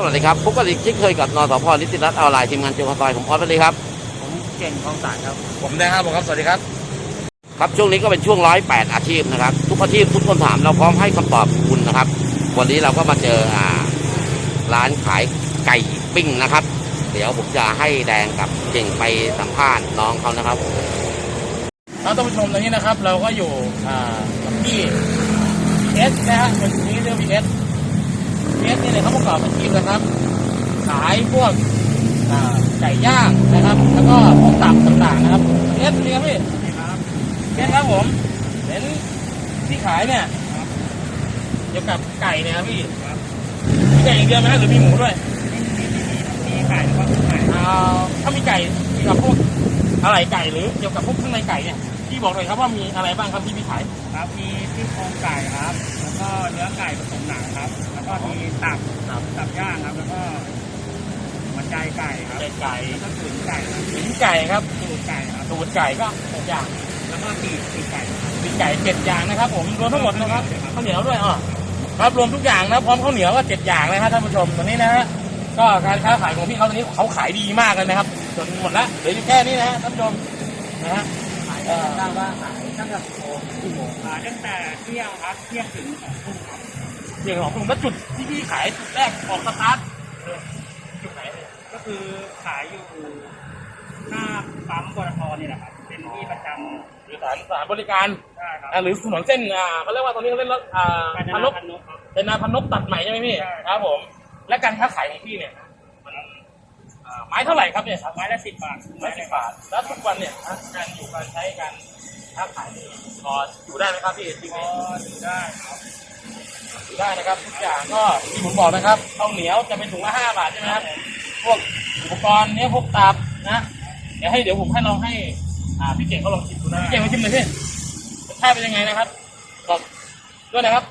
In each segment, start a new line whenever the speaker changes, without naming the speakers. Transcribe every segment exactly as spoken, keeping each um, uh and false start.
สวัสดีครับพบกันอีกเช่นเคยกับนสพนิติรัตน์ออนไลน์ทีมงานเจียวคอนซอยผมออสสวัสดีครับ
ผมเก่งคลองสารครับ
ผมได้ครับผมครับสวัสดีครับ
ครับช่วงนี้ก็เป็นช่วงร้อยแปดอาชีพนะครับทุกอาชีพทุกคำถามเราพร้อมให้คำตอบคุณนะครับวันนี้เราก็มาเจออ่าร้านขายไก่ปิ้งนะครับเดี๋ยวผมจะให้แดงกับเก่งไปสัมภาษณ์น้องเขานะครับ
ท่านผู้ชมตอนนี้นะครับเราก็อยู่อ่าที่เอสนะฮะวันนี้เรื่องพีเอสพีเอสนี่เนี่ยเขาประกอบอาชีพนะครับขายพวกไก่ย่างนะครับแล้วก็พวกตับต่างๆนะครับเอสนี่ครับพี่เอสครับผมเห็นที่ขายเนี่ยเกี่ยวกับไก่เนี่ยครับพี่มีไก่อย่างเดียวไหมหรือมีหมูด้วย
มีไก่หรือว่าไก่
ถ้ามีไก่เกี่ยวกับพวกอะไรไก่หรือเกี่ยวกับพวกข้างในไก่เนี่ยพี่บอกหน่อยครับว่ามีอะไรบ้างครับที่พี่ขาย
ครับมีซี่โครงไก่ครับแล้วก็เนื้อไก่ผสมหนังครับแล้วก็มีตับตับย่างครับแล้วก็หัวใจไก่ครับ
ไก่
แล้วก็ตุ๋นไก่
ตุ๋นไก่ครับ
ตุ๋นไก่ครับ
ตุ๋นไก่ก็หกอย่าง
แล้วก็ปีกปีกไก่
ปีกไก่เจ็ดอย่างนะครับผมรวมทั้งหมดนะครับข้าวเหนียวด้วยอ๋อครับรวมทุกอย่างนะพร้อมข้าวเหนียวก็เจ็ดอย่างนะครับท่านผู้ชมตอนนี้นะฮะก็การค้าขายของพี่เขาตอนนี้เขาขายดีมากเลยนะครับจนหมดละเหลืออยู่แค่นี้นะฮะท่านผู้ชมนะฮะ
ขายได้ว่าขายตั้งแต่กี่โมงกี่โมงขายตั้งแต่เที่ยงครับเที่ยงถึงสองทุ่มครับ
เที่ยงสองทุ่มแล้วจุดที่พี่ขายจุดแรกออกสตาร์ทจุดไหน
ก็คือขายอยู่หน้าปั๊มปตทนี่แหละครับเป็นที่ประจำ
หรือสถานสถานบริการ
ใช่ครับ
หรือถนนเส้นอ่าเขาเรียกว่าตอนนี้เขาเรียกรถอ่า
พนก
เป็นนาพนกตัดใหม่ใช่ไหมพี่ครับผมและการค้าขายของพี่เนี่ยมันไม้เท่าไหร่ครับเนี่ย
ไม้ละสิบบาท
ไม้สิบบาทแล้วทุกวันเนี่ยการอยู่การใช้การค้าขายพออยู่ได้ไหมครับพี่ที่นี่
อยู่ได้ครับ
อยู่ได้นะครับทุกอย่างก็ที่ผมบอกนะครับข้าวเหนียวจะเป็นถุงละห้าบาทใช่ไหมครับพวกอุปกรณ์เนี้ยพวกตับนะเดี๋ยวให้เดี๋ยวผมให้ลองให้อ่าพี่เก่งเขาลองชิมดูนะพี่เก่งมาชิมเลยพี่รสชาติเป็นยังไงนะครับบอกด้วยนะครับ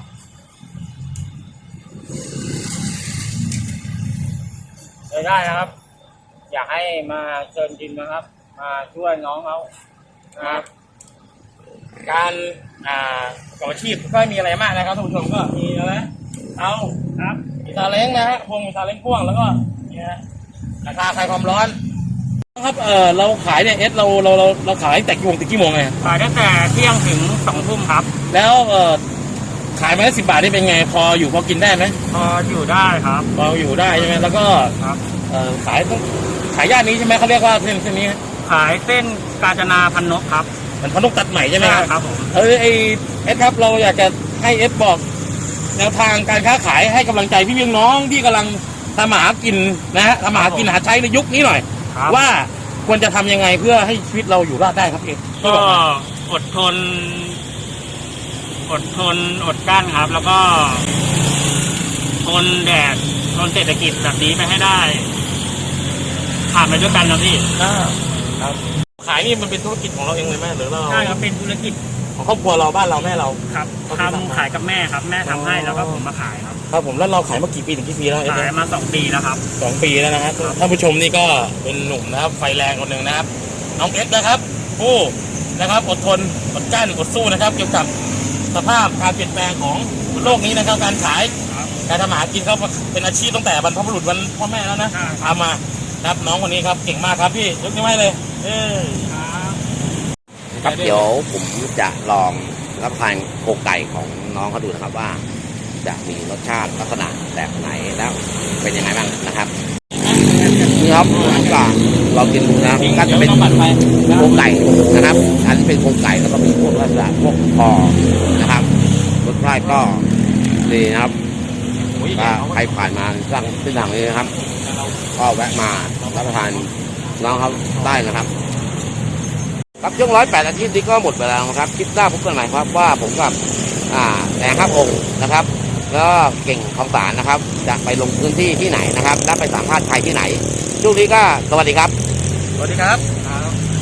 เลยได้นะครับอยากให้มาเชิญชิมนะครับมาช่วยน้องเขา
นะครับการอ่าก่ออาชีพก็มีอะไรมากนะครับท่านผู้ชมก็มีอะไรเอา
ครับ
มีซาเล้งนะฮะพวงมีซาเล้งพ่วงแล้วก็นี่ฮะราคาคลายความร้อนครับเออเราขายเนี่ยเอสเราเราเราเราขายแต่กี่โมงถึงกี่โมงไง
ขายตั้งแต่เที่ยงถึงสองทุ่มครับ
แล้วเออขายมาได้สิบบาทนี่เป็นไงพออยู่พอกินได้ไหม
พออยู่ได้ครับ
พออยู่ได้ใช่ไหมแล้วก็
ครับ
เออขายขายย่านนี้ใช่ไหมเขาเรียกว่าเส้นเส้นนี้
ขายเส้นกาญจนาพนกครับ
มันพนกตัดใหม่ใช่ไหมครับ
ครับผม
เออไอเอสครับเราอยากจะให้เอสบอกแนวทางการค้าขายให้กำลังใจพี่น้องที่กำลังทำมาหากินนะฮะทำมาหากินหาใช้ในยุคนี้หน่อยว่าควรจะทำยังไงเพื่อให้ชีวิตเราอยู่รอดได้ครับเอส
ก็อดทนอดทนอดกั้นครับแล้วก็ทนแดดทนเศรษฐกิจแบบนี้ไปให้ได้ผ่านไปด้วยกันนะพี่
ครับขายนี่มันเป็นธุรกิจของเราเองเลยไหมหรือเรา
ใช่ครับเป็นธุรกิจ
ของครอบครัวเราบ้านเราแม่เรา
ครับทำขายกับแม่ครับแม่ทำให้แล้วก็ผมมาขายครับ
ครับผมแล้วเราขายมากี่ปีถึงกี่ปีแล้ว
ขายมาสองปีแล้วครับ
สองปีแล้วนะครับท่านผู้ชมนี่ก็เป็นหนุ่มนะครับไฟแรงคนหนึ่งนะครับน้องเอสนะครับผู้นะครับอดทนอดกั้นอดสู้นะครับเกี่ยวกับสภาพการเปลี่ยนแปลงของโลกนี้นะครับการขายการทำอาหารกินเขาเป็นอาชีพตั้งแต่บรรพบุรุษวันพ่อแม่แล้วนะทำมาครับน้องคนนี้ครับเก่งมากครับพี่ยกนิ้วให้เลยเออ
ครับเดี๋ยวผมจะลองรับประทานโครงไก่ของน้องเขาดูนะครับว่าจะมีรสชาติลักษณะแบบไหนแล้วเป็นยังไงบ้างนะครับนี่ครับก็เรากินนะก็จะเป็นโครงไก่นะครับอันนี้เป็นโครงไก่แล้วก็มีพวกลักษณะพวกคอนะครับรสชาติก็ดีนะครับก็ใครผ่านมาสร้างเส้นทางนี้นะครับก็แวะมารับประทานน้องเขาได้นะครับครับช่วงร้อยแปดอาทิตย์นี้ก็หมดเวลาแล้วครับคลิปหน้าพบกันใหม่ครับว่าผมกับอ่าแดงครับองค์นะครับแล้วเก่งคลองสารนะครับจะไปลงพื้นที่ที่ไหนนะครับและไปสัมภาษณ์ใครที่ไหนช่วงนี้ก็สวัสดีครับ
สวัสดีครับ